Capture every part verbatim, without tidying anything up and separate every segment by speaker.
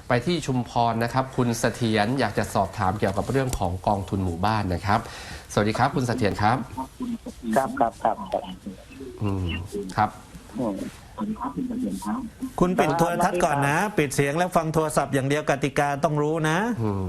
Speaker 1: ไปที่ชุมพรนะครับคุณเสถียรอยากจะสอบถามเกี่ยวกับเรื่องของกองทุนหมู่บ้านนะครับสวัสดีครับคุณเสถียรครับ
Speaker 2: ครับครับครับ
Speaker 1: อืมครับ
Speaker 3: คุณปิดโทรทัศน์ก่อนนะปิดเสียงแล้วฟังโทรศัพท์อย่างเดียวกติกาต้องรู้นะ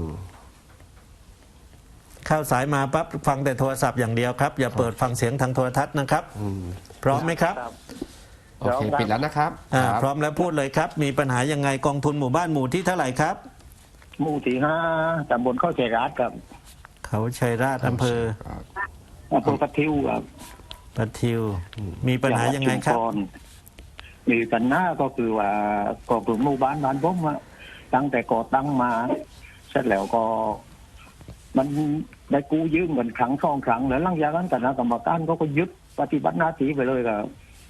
Speaker 3: เข้าสายมาปั๊บฟังแต่โทรศัพท์อย่างเดียวครับอย่าเปิดฟังเสียงทางโทรทัศน์นะครับพร้อมไหมครับ
Speaker 1: โอเคปิดแล้วนะครับ
Speaker 3: พร้อมแล้วพูดเลยครับมีปัญหายังไงกองทุนหมู่บ้านหมู่ที่เท่าไหร่ครับ
Speaker 2: หมู่ที่ห้าตำบลเข้าชัยราชครับ
Speaker 3: เขาชัยราชอำเภอ
Speaker 2: อำเภอปะทิวครับ
Speaker 3: ปะทิวมีปัญหายังไงครับ
Speaker 2: มีปัญหาก็คือว่ากองทุนหมู่บ้านบ้านผมตั้งแต่ก่อตั้งมาเสร็จแล้วก็มันได้กู้ยืมเงินครั้งสองครั้งแล้วหลังจากนั้นคณะกรรมการก็ก็ยึดปฏิบัติหน้าที่ไปเลยครับ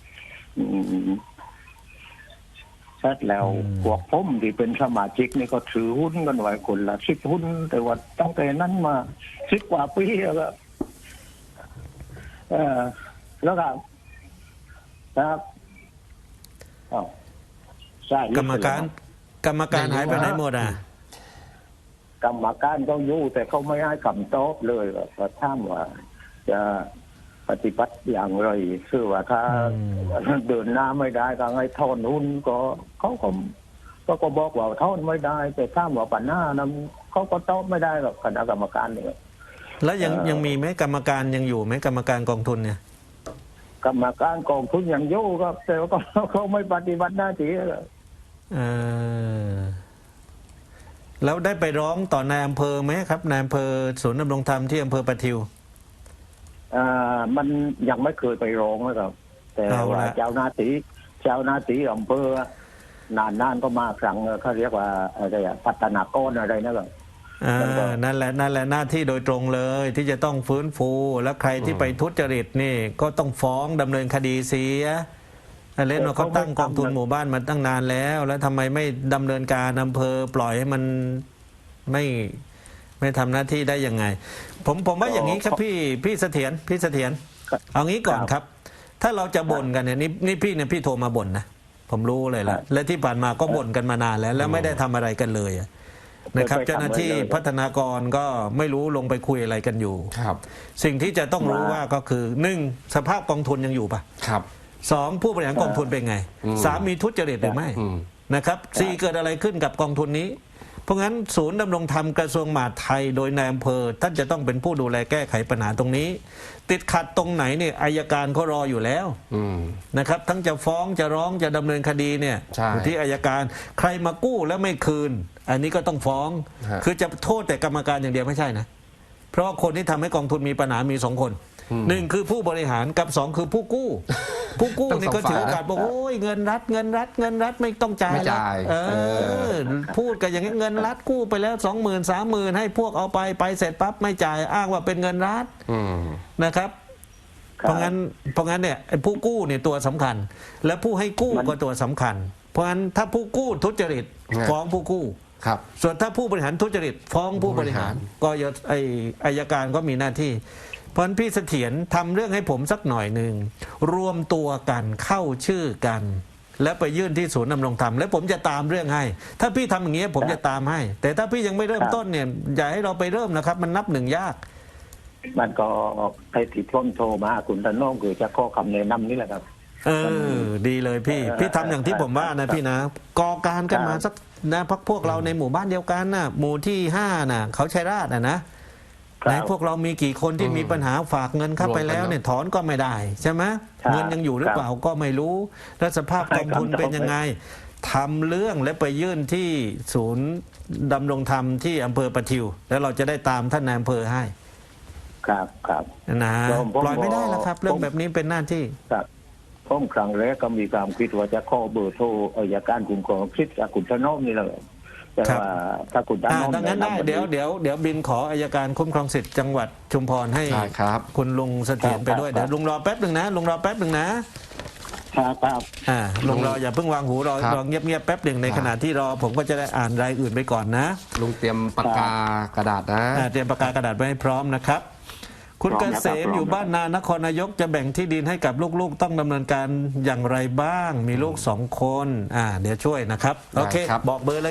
Speaker 2: เสร็จแล้วพวกผมที่เป็นสมาชิกนี่ก็ถือหุ้นกันไว้คนละสิบหุ้นแต่ว่าตั้งแต่นั้นมาสิบกว่าปีแล้วครับเออแล้วครับครับอ๋อใช่
Speaker 3: กรรมการกรรมการหายไปไหนหมดอ่ะ
Speaker 2: กรรมการเขาอยู่แต่เขาไม่ให้คำตอบเลยว่าถามว่าจะปฏิบัติอย่างไรคือว่าถ้าเดินหน้าไม่ได้ก็ให้ทอนหุ้นก็เขาก็ก็ก็บอกว่าทอนไม่ได้แต่ถามว่าปัญหานั้นเขาก็ตอบไม่ได้หรอกคณะกรรมการเนี่ย
Speaker 3: แล้วยังยังมีไหมกรรมการยังอยู่ไหมกรรมการกองทุนเนี่ย
Speaker 2: กรรมการกองทุนยังอยู่ครับแต่ว่าเขาไม่ปฏิบัติหน้าที่เลย
Speaker 3: เออแล้วได้ไปร้องต่อนายอำเภอไหมครับนายอำเภอศูนย์ดำรงธรรมที่อำเภอปะทิว
Speaker 2: อ่ามันยังไม่เคยไปร้องนะครับแต่ว่าเจ้าหน้าที่เจ้าหน้าที่อำเภอนานๆก็มาครั้งเขาเรียกว่าอะไรอะพัฒนากรอะไรนะครับ
Speaker 3: นั่นแหละนั่นแหละหน้าที่โดยตรงเลยที่จะต้องฟื้นฟูและใครที่ไปทุจริตนี่ก็ต้องฟ้องดำเนินคดีเสียเล่นว่าเขาตั้งกองทุนหมู่บ้านมาตั้งนานแล้วแล้วทำไมไม่ดำเนินการอำเภอปล่อยให้มันไม่ไม่ทำหน้าที่ได้ยังไงผมผมว่าอย่างนี้ครับพี่พี่เสถียรพี่เสถียรเอางี้ก่อนครับถ้าเราจะบ่นกันเนี่ยนี่นี่พี่เนี่ยพี่โทรมาบ่นนะผมรู้เลยละและที่ผ่านมาก็บ่นกันมานานแล้วแล้วไม่ได้ทำอะไรกันเลยนะครับเจ้าหน้าที่พัฒนากรก็ไม่รู้ลงไปคุยอะไรกันอยู่
Speaker 1: ครับ
Speaker 3: สิ่งที่จะต้องรู้ว่าก็คือหนึ่งสภาพกองทุนยังอยู่ปะ
Speaker 1: ครับ
Speaker 3: สองผู้บริหารกองทุนเป็นไงสามมีทุจริตหรือไม่นะครับสี่เกิดอะไรขึ้นกับกองทุนนี้เพราะงั้นศูนย์ดำรงธรรมกระทรวงมหาดไทยโดยนายอำเภอท่านจะต้องเป็นผู้ดูแลแก้ไขปัญหาตรงนี้ติดขัดตรงไหนเนี่ยอัยการเขารออยู่แล้วนะครับทั้งจะฟ้องจะร้องจะดำเนินคดีเนี่ยอยู่ที่อัยการใครมากู้แล้วไม่คืนอันนี้ก็ต้องฟ้องคือจะโทษแต่กรรมการอย่างเดียวไม่ใช่นะเพราะคนที่ทำให้กองทุนมีปัญหามีสองคนหนึ่งคือผู้บริหารกับสองคือผู้กู้ผู้กู้นี่ก็ถือโอกาสบอกโอ้ยเงินรัฐเงินรัฐเงินรัฐไม่ต้องจ่ายแล้วเออพูดกันอย่างนี้เงินรัฐกู้ไปแล้วสองหมื่นสามหมื่นให้พวกเอาไปไปเสร็จปั๊บไม่จ่ายอ้างว่าเป็นเงินรัฐนะครับเพราะงั้นเพราะงั้นเนี่ยผู้กู้เนี่ยตัวสำคัญและผู้ให้กู้ก็ตัวสำคัญเพราะงั้นถ้าผู้กู้ทุจริตฟ้องผู้กู้
Speaker 1: ครับ
Speaker 3: ส่วนถ้าผู้บริหารทุจริตฟ้องผู้บริหารก็ไออัยการก็มีหน้าที่เพราะพี่เสถียรทำเรื่องให้ผมสักหน่อยหนึ่งรวมตัวกันเข้าชื่อกันแล้วไปยื่นที่ศูนย์ดำรงธรรมแล้วผมจะตามเรื่องให้ถ้าพี่ทำอย่างนี้ผมจะตามให้แต่ถ้าพี่ยังไม่เริ่มต้นเนี่ยอย่าให้เราไปเริ่มนะครับมันนับหนึ่งยาก
Speaker 2: มันก็ใครติดพ้นโทรมาคุณตะน้องคือจะข้อคำแนะนำนี่แหละครับ
Speaker 3: เออดีเลยพี่พี่ทำอย่างที่ผมว่านะพี่นะก่อการกันมาสักนะพักพวกเราในหมู่บ้านเดียวกันนะหมู่ที่ห้าน่ะเขาชัยราชน่ะนะไหนพวกเรามีกี่คนที่มีปัญหาฝากเงินเข้าไปแล้วเนี่ยถอนก็ไม่ได้ใช่ไหมเงินยังอยู่หรือเปล่าก็ไม่รู้และสภาพกองทุนเป็นยังไงทำเรื่องและไปยื่นที่ศูนย์ดำรงธรรมที่อำเภอปะทิวแล้วเราจะได้ตามท่านนายอำเภอให้
Speaker 2: ครับครับ
Speaker 3: นะปล่อยไม่ได้แล้วครับเรื่องแบบนี้เป็นหน้าที่
Speaker 2: ครับผมครั้งแรกก็มีความคิดว่าจะข้อเบอร์โทรอัยการคุ้มครองสิทธิ์คุณธนอมนี่แหละแต่ว่าถ้าคุณธนอม
Speaker 3: ดังนั้นได้เดี๋ยวเดี๋ยวเดี๋ยวบินขออัยการคุ้มครองสิทธิ์จังหวัดชุมพรให้คุณลุงเสถียรไปด้วยเดี๋ยวลุงรอแป๊บหนึ่งนะลุงรอแป๊บหนึ่งนะครับ
Speaker 2: ครับ
Speaker 3: อ่าลุงรออย่าเพิ่งวางหูรอรอเงียบๆแป๊บหนึ่งในขณะที่รอผมก็จะได้อ่านรายอื่นไปก่อนนะ
Speaker 1: ลุงเตรียมปากกากระดาษนะ
Speaker 3: เตรียมปากกากระดาษไว้ให้พร้อมนะครับคุณเกษมอยู่บ้านนานครนายกจะแบ่งที่ดินให้กับลูกๆต้องดำเนินการอย่างไรบ้างมีลูกสองคนอ่าเดี๋ยวช่วยนะครับโอเคบอกเบอร์เลยครับ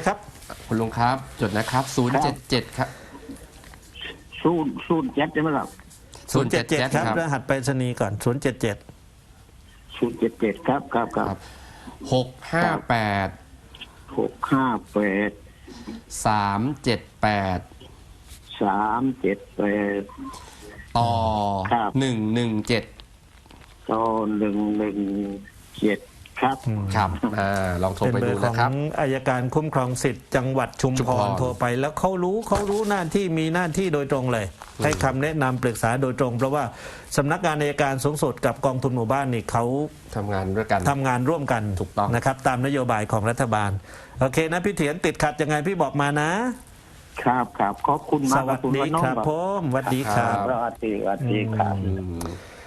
Speaker 1: คุณลุงครับจดนะครับศูนย์เจ็ดเจ็ดครับ
Speaker 2: ศูนย์ศูนย์เจ็ดใช่ไหมครับ
Speaker 3: ศูนย์เจ็ดเจ็ดครับรหัสไปรษณีย์ก่อนศูนย์เจ็ดเจ็ด
Speaker 2: ศูนย์เจ็ดเจ็ดครับครับครับ
Speaker 1: หกห้าแปด
Speaker 2: หกห้าแปด
Speaker 1: สามเจ็ดแปด
Speaker 2: สามเจ็ดแปด
Speaker 1: ต่อ
Speaker 2: ครับ
Speaker 1: หนึ่งหนึ่งเจ็ด
Speaker 2: ต่อหนึ่งหนึ่งเจ็ดครับ
Speaker 1: ครับอ่าลองโทร
Speaker 3: เป็น
Speaker 1: ไป
Speaker 3: เบอ
Speaker 1: ดู
Speaker 3: ร์ขอ
Speaker 1: นะ
Speaker 3: ง
Speaker 1: ครับ
Speaker 3: อายการคุ้มครองสิทธิ์จังหวัดชุม
Speaker 1: ชุม
Speaker 3: พ
Speaker 1: พ
Speaker 3: ร
Speaker 1: ร
Speaker 3: โทรไปแล้วเขารู้เขารู้หน้าที่มีหน้าที่โดยตรงเลย ให้คำแนะนำปรึกษาโดยตรง เพราะว่าสำนักงานอายการสูงสุดกับกองทุนหมู่บ้านนี่เขา
Speaker 1: ทำงานด้วยกัน
Speaker 3: ทำงานร่วมกัน
Speaker 1: ถูกต้อง
Speaker 3: นะครับ ตามนโยบายของรัฐบาล โอเคนะพี่เถียนติดขัดยังไงพี่บอกมานะ
Speaker 2: ครับครับขอบคุณ
Speaker 3: ส
Speaker 2: มาก
Speaker 3: วัส
Speaker 2: คุณ
Speaker 3: ดี
Speaker 2: วันน้อง
Speaker 3: ครับผมสวัสดีครับ
Speaker 2: สวัสดีสวัสดีครับ
Speaker 1: อืม